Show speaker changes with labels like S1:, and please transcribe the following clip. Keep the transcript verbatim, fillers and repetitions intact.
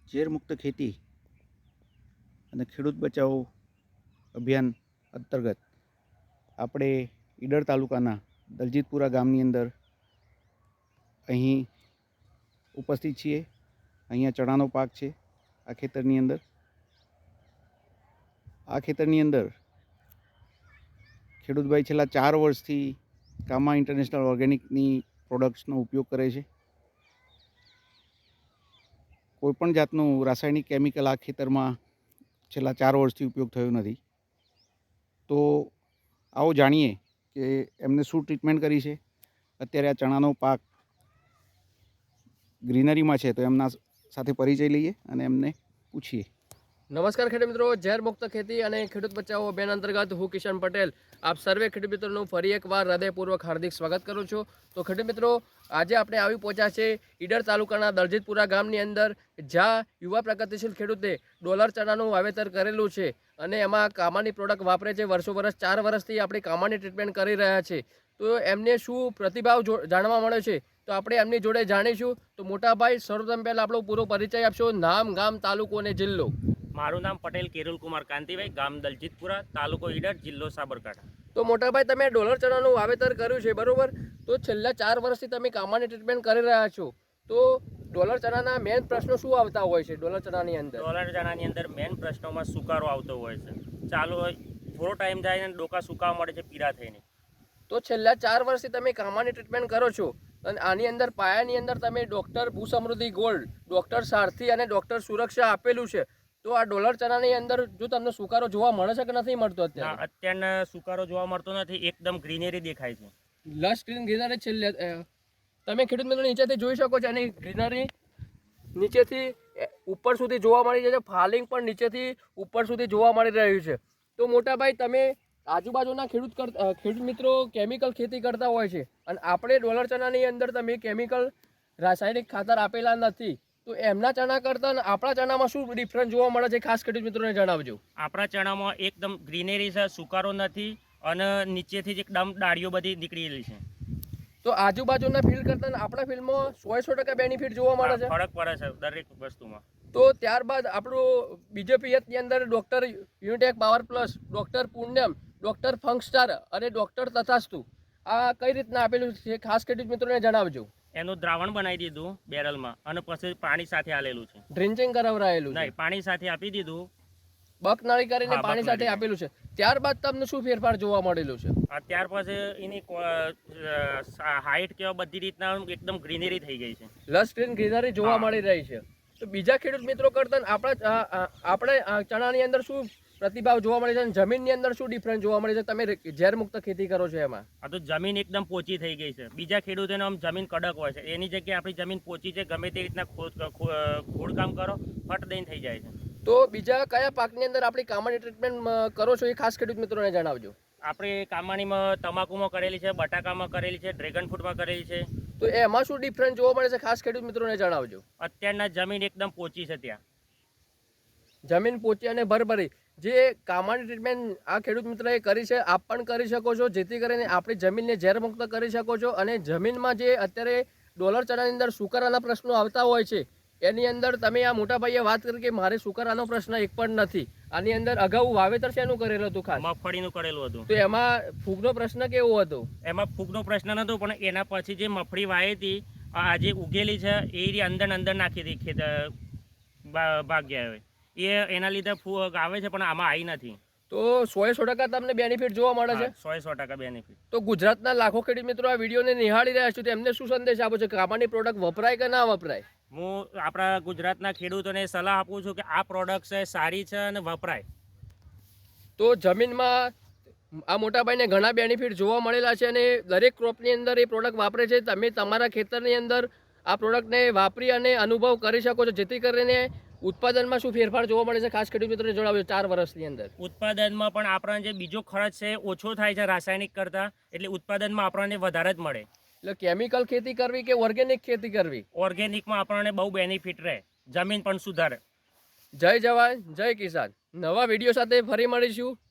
S1: ઝેર મુક્ત ખેતી અને ખેડૂત બચાવો અભિયાન અંતર્ગત આપણે ઈડર તાલુકાના દલજીતપુરા ગામની અંદર અહીં ઉપસ્થિત છીએ। અહીંયા ચણાનો પાક છે। આ ખેતરની અંદર આ ખેતરની અંદર ખેડૂતભાઈ છેલ્લા ચાર વર્ષથી કામા ઇન્ટરનેશનલ ઓર્ગેનિકની પ્રોડક્ટ્સનો ઉપયોગ કરે છે। કોઈપણ જાતનું રાસાયણિક કેમિકલ આ ખેતરમાં છેલ્લા ચાર વર્ષથી ઉપયોગ થયો નથી। તો આવો જાણીએ કે એમને શું ટ્રીટમેન્ટ કરી છે। અત્યારે આ ચણાનો પાક ગ્રીનરીમાં છે, તો એમના સાથે પરિચય લઈએ અને એમને પૂછીએ।
S2: નમસ્કાર ખેડૂત મિત્રો, ઝેર મુક્ત ખેતી અને ખેડૂત બચાવો અભિયાન અંતર્ગત હું કિશન પટેલ આપ સર્વે ખેડૂત મિત્રોનું ફરી એકવાર હૃદયપૂર્વક હાર્દિક સ્વાગત કરું છું। તો ખેડૂત મિત્રો, આજે આપણે આવી પહોંચ્યા છે ઈડર તાલુકાના દલજીતપુરા ગામની અંદર, જ્યાં યુવા પ્રગતિશીલ ખેડૂતે ડોલર ચણાનું વાવેતર કરેલું છે અને એમાં કામાની પ્રોડક્ટ વાપરે છે। વર્ષો વર્ષ ચાર વર્ષથી આપણે કામાની ટ્રીટમેન્ટ કરી રહ્યા છે। તો એમને શું પ્રતિભાવ જાણવા મળ્યો છે, તો આપણે એમની જોડે જાણીશું। તો મોટાભાઈ, સર્વપ્રથમ પહેલાં આપણો પૂરો પરિચય આપશો, નામ, ગામ, તાલુકો અને જિલ્લો।
S3: મારું નામ પટેલ કેરુલ કુમાર કાંતિભાઈ, ગામ દલજીતપુરા, તાલુકો ઈડર, જિલ્લો સાબરકાંઠા।
S2: તો મોટાભાઈ, તમે ડોલર ચણાનું વાવેતર કર્યું છે, બરોબર? તો છેલ્લા ચાર વર્ષથી તમે કામાની ટ્રીટમેન્ટ કરી રહ્યા છો, તો ડોલર ચણાના મેઇન પ્રશ્નો શું આવતા હોય છે? ડોલર ચણાની અંદર
S3: ડોલર ચણાની અંદર મેઇન પ્રશ્નોમાં સુકારો આવતો હોય છે। ચાલુ હોય થોડો ટાઈમ જાય ને ડોકા સુકાવા મળે છે પીળા થઈને।
S2: તો છેલ્લા ચાર વર્ષથી તમે કામાની ટ્રીટમેન્ટ કરો છો અને આની અંદર પાયાની અંદર તમે ડૉક્ટર ભૂસમૃદ્ધિ ગોલ્ડ, ડૉક્ટર સારથી અને ડૉક્ટર સુરક્ષા આપેલું છે। તો આ ડોલર ચણાની અંદર જો તમને સુકારો જોવા મળે છે કે નથી મળતો? અત્યારે
S3: અત્યારના સુકારો જોવા મળતો નથી, એકદમ ગ્રીનરી દેખાય છે।
S2: લશ ગ્રીન ગ્રીનરી છેલ્લે તમે ખેડૂત મિત્રો નીચેથી જોઈ શકો છો, એની ગ્રીનરી નીચેથી ઉપર સુધી જોવા મળી જાય છે, ફાલિંગ પણ નીચેથી ઉપર સુધી જોવા મળી રહ્યું છે। તો મોટાભાઈ, તમે આજુબાજુના ખેડૂત ખેડૂત મિત્રો કેમિકલ ખેતી કરતા હોય છે અને આપણે ડોલર ચણાની અંદર તમે કેમિકલ રાસાયણિક ખાતર આપેલા નથી, તો એમના ચણા કરતાં આપણા ચણામાં શું ડિફરન્સ જોવા મળે છે, ખાસ ખેડૂત મિત્રોને જણાવજો।
S3: આપણા ચણામાં એકદમ ગ્રીનરી છે, સુકારો નથી અને નીચેથી જ એકદમ ડાળીઓ બધી નીકળેલી છે।
S2: તો આજુબાજુના ફિલ્ડ કરતાં આપણા ફિલ્ડમાં સો સો ટકા બેનિફિટ જોવા મળે છે,
S3: ફરક પડે છે દરેક વસ્તુમાં।
S2: તો ત્યારબાદ આપણું બીજો પિયતની અંદર doctor Unitech power plus, doctor પુણ્યમ, ડૉક્ટર ફંકસ્ટાર અને ડૉક્ટર તથાસ્તુ આ કઈ રીતના આપેલું છે, ખાસ ખેડૂત મિત્રોને જણાવજો।
S3: એનું દ્રાવણ બનાવી દીધું બેરલમાં અને પછી પાણી સાથે આલેલું છે,
S2: ડ્રિન્ચિંગ કરાવરાયેલું
S3: નહીં, પાણી સાથે આપી દીધું,
S2: બકનાળી કરીને પાણી સાથે આપેલું છે। ત્યારબાદ તમને શું ફેરફાર જોવા મળેલું છે?
S3: ત્યાર પછી એની હાઈટ કેવા બધી રીતના એકદમ ગ્રીનરી થઈ ગઈ છે,
S2: લસ ગ્રીન ગ્રીનરી જોવા મળી રહી છે। તો બીજા ખેડૂત મિત્રો કરતા આપણા આપણે ચણાની અંદર શું પ્રતિભાવ જોવા મળે છે અને જમીનની અંદર શું ડિફરન્સ જોવા મળે છે? તમે ઝેર મુક્ત ખેતી કરો છો એમાં
S3: આ તો જમીન એકદમ પોચી થઈ ગઈ છે। બીજા ખેડૂતોને આમ જમીન કડક હોય છે, એની જગ્યાએ આપણી જમીન પોચી છે, ગમે તે રીતના ખોદકામ કરો ફટ દઈને થઈ જાય છે।
S2: તો બીજા કયા પાકની અંદર આપણી કામાની ટ્રીટમેન્ટ કરો છો, એ ખાસ ખેડૂત મિત્રોને જણાવજો।
S3: આપણે કામાણીમાં તમાકુમાં કરેલી છે, બટાકામાં કરેલી છે, ડ્રેગન ફ્રૂટમાં કરેલી છે।
S2: તો એમાં શું ડિફરન્સ જોવા મળે છે, ખાસ ખેડૂત મિત્રોને જણાવજો।
S3: અત્યારના જમીન એકદમ પોચી છે, ત્યાં
S2: જમીન પોચી અને ભરભરી જે કામાની ટ્રીટમેન્ટ આ ખેડૂત મિત્રએ કરી છે, આપ પણ કરી શકો છો, જેથી કરીને આપણી જમીનને ઝેર મુક્ત કરી શકો છો। અને જમીનમાં જે અત્યારે ડોલર ચણાની અંદર સુકારાના પ્રશ્નો આવતા હોય છે, એની અંદર તમે આ મોટા ભાઈએ વાત કરી કે મારે સુકારાનો પ્રશ્ન એક પણ નથી। આની અંદર અગાઉ વાવેતર શેનું કરેલું હતું? ખાસ
S3: મગફળીનું કરેલું હતું।
S2: તો એમાં ફૂગનો પ્રશ્ન કેવો હતો?
S3: એમાં ફૂગનો પ્રશ્ન નતો, પણ એના પછી જે મગફળી વાવી હતી, આજે ઉગેલી છે, એ અંદર અંદર નાખી હતી ખેત ભાગ્યા હોય એ એના લીધે ફૂગ આવે છે, પણ આમાં આવી નથી।
S2: તો સો સો ટકા તમને બેનિફિટ જોવા મળે છે?
S3: સો સો ટકા બેનિફિટ।
S2: તો ગુજરાતના લાખો ખેડૂત મિત્રો આ વિડીયોને નિહાળી રહ્યા છે, તો એમને શું સંદેશ આપો છો? કામાની પ્રોડક્ટ વપરાય કે ના વપરાય?
S3: હું આપણા ગુજરાતના ખેડૂતોને સલાહ આપું છું કે આ પ્રોડક્ટ છે, સારી છે અને વપરાય।
S2: તો જમીનમાં આ મોટાભાઈને ઘણા બેનિફિટ જોવા મળેલા છે અને દરેક ક્રોપની અંદર એ પ્રોડક્ટ વાપરે છે। તમે તમારા ખેતરની અંદર આ પ્રોડક્ટને વાપરી અને અનુભવ કરી શકો છો, જેથી કરીને ઉત્પાદનમાં શું ફેરફાર જોવા મળે છે, ખાસ ખેડૂત મિત્રોને જણાવજો। ચાર વર્ષની અંદર
S3: ઉત્પાદનમાં પણ આપણને જે બીજો ખર્ચ છે ઓછો થાય છે રાસાયણિક કરતાં, એટલે ઉત્પાદનમાં આપણને વધારે જ મળે।
S2: એટલે કેમિકલ ખેતી કરવી કે ઓર્ગેનિક ખેતી કરવી?
S3: ઓર્ગેનિકમાં આપણને બહુ બેનિફિટ રહે, જમીન પણ સુધારે।
S2: જય જવાન જય કિસાન। નવા વિડીયો સાથે ફરી મળીશું।